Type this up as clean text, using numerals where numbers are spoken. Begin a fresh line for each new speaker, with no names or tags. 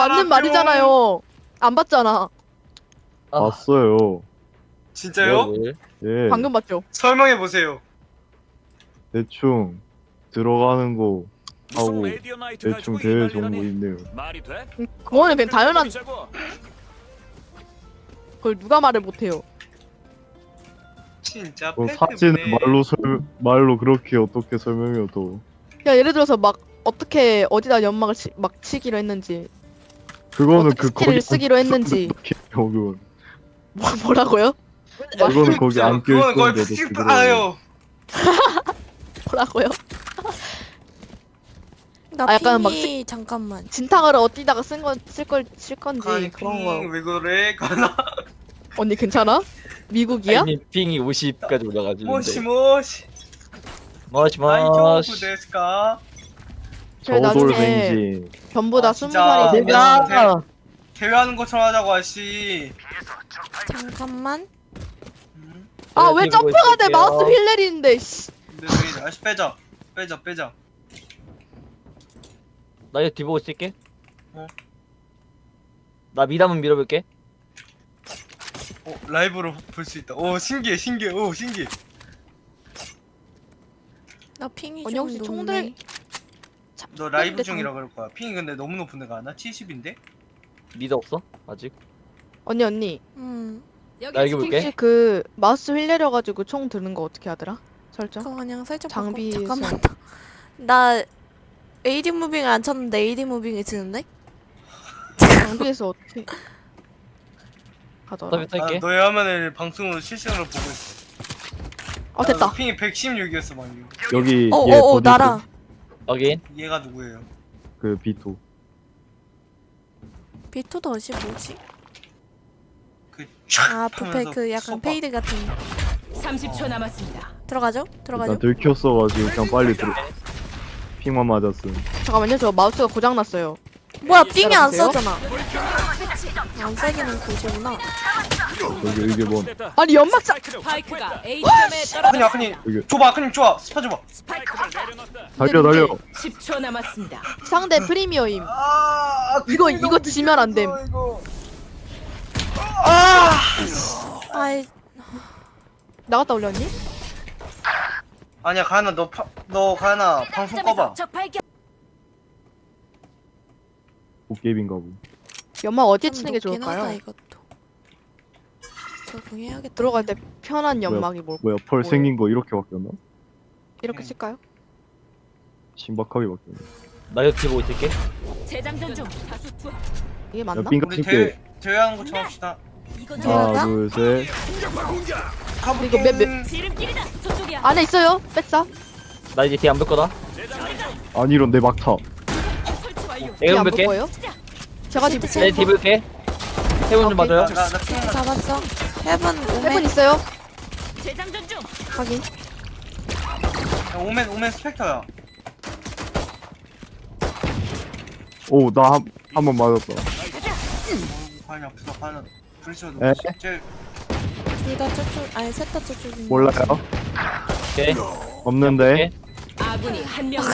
맞는 말이잖아요. 안 봤잖아.
봤어요.
진짜요?
뭘?
예.
방금 봤죠.
설명해 보세요.
대충 들어가는 거 하고
무슨 레디오 나이트
대충
가지고 이
대회
난리라니.
정보 있네요.
말이 돼?
그거는 그냥 당연한.
보자고.
그걸 누가 말을 못해요.
진짜
그
팩트네.
사진을 말로 그렇게 어떻게 설명해요 또.
야 예를 들어서 막 어떻게 어디다 연막을 막 치기로 했는지,
그거는
어떻게 스킬을 쓰기로 했는지.
그건
뭐라고요?
그거는 거기 안 껴
그건 거의
있던데도
스킵
그대로.
아요.
뭐라고요?
나
아, 약간 막
핑이 잠깐만.
진탕을 어디다가 쓸 건지
아니
그런 거.
왜 그래? 가나.
언니 괜찮아? 미국이야?
아니 핑이 50까지 올라가지고.
모시.
머시.
데스까?
저희 나중에
저돌뱅지.
전부 다
아,
20살이
진짜.
되면
내가 대회하는 것처럼 하자고 아씨.
잠깐만.
아
네,
왜
들고
점프가 돼?
있을게요.
마우스 휠 내리는데 씨.
근데 왜 아씨 빼자.
나 이거 뒤보고 있을게.
어.
나 미담은 밀어볼게.
라이브로 볼 수 있다. 오 신기해. 오 신기해.
나 핑이
언니
좀
혹시
높네.
총들
너 라이브
근데
중이라 그럴 거야. 핑이 근데 너무 높은 데가 나 70인데?
미드 없어? 아직?
언니
나 이거 볼게.
혹시 그 마우스 휠 내려가지고 총 드는 거 어떻게 하더라? 설정?
그거 그냥 살짝
장비에서.
바꿔. 잠깐만. 나 AD 무빙을 안 쳤는데 AD 무빙이 지는데?
장비에서 어떻게 하더라?
서비스 할게.
너의 화면을 방송으로 실시간으로 보고 있어.
됐다.
핑이 116이었어 방금.
여기
어,
얘
어,
버디
나라.
확인.
얘가 누구예요?
그 비토.
비토 덫이 뭐지?
그
아, 부페 그 약간 페이드 같은.
30초 남았습니다.
들어가죠?
나
들어가죠?
들켰어가지고 그냥 빨리 들어. 핑만 맞았음.
잠깐만요. 저 마우스가 고장 났어요.
뭐야, 핑이 안
따라오세요.
써잖아. 안 세기는 굳이구나.
여기 이게 뭔?
됐다.
아니 연막사.
스파이크가 A점에 떨어졌습니다.
아크님 줘봐 아크님 좋아 스파 줘봐.
스파이크를 내려놨다.
달려.
10초 남았습니다.
상대 프리미어임.
아
이거 지면 안 됨.
아이,
나갔다 올렸니?
아니야 가나 너 가나 방송 꺼봐.
적 발견.
도깨비인가 보.
연막 어디에
좀
치는 게
높긴 하다,
좋을까요?
이것도. 적응해야겠다.
들어갈 때 편한 연막이 뭘까?
뭐야 펄 생긴 거 이렇게 바뀌었나?
이렇게 칠까요?
신박하게 바뀌었네.
나 이거 뒤보고 있을게.
재장전 중. 다수 투하.
이게 맞나?
빙가
우리
칠게.
대회하는 것처럼 합시다.
이건
하나 둘 셋.
이거 몇-
지름길이다. 저쪽이야.
안에 있어요. 뺐어.
나 이제 뒤 안 볼 거다.
아니 이런 내 막타.
설치 완료.
내가
안볼
볼게.
거예요? 제가
시트
뒤
내 뒤 볼게. 해본 좀
오케이.
봐줘요.
나 핑만
잡았어. 헤븐
세분
오멘.
있어요.
재장전 중.
확인.
오멘 스펙터야.
오 나 한 번 맞았다.
과연 아프다 과연 불쇼
에?
제일
둘다 저쪽, 아니 셋 다 저쪽인데.
몰라요?
오케이.
없는데.
오케이.
아군이 한 명.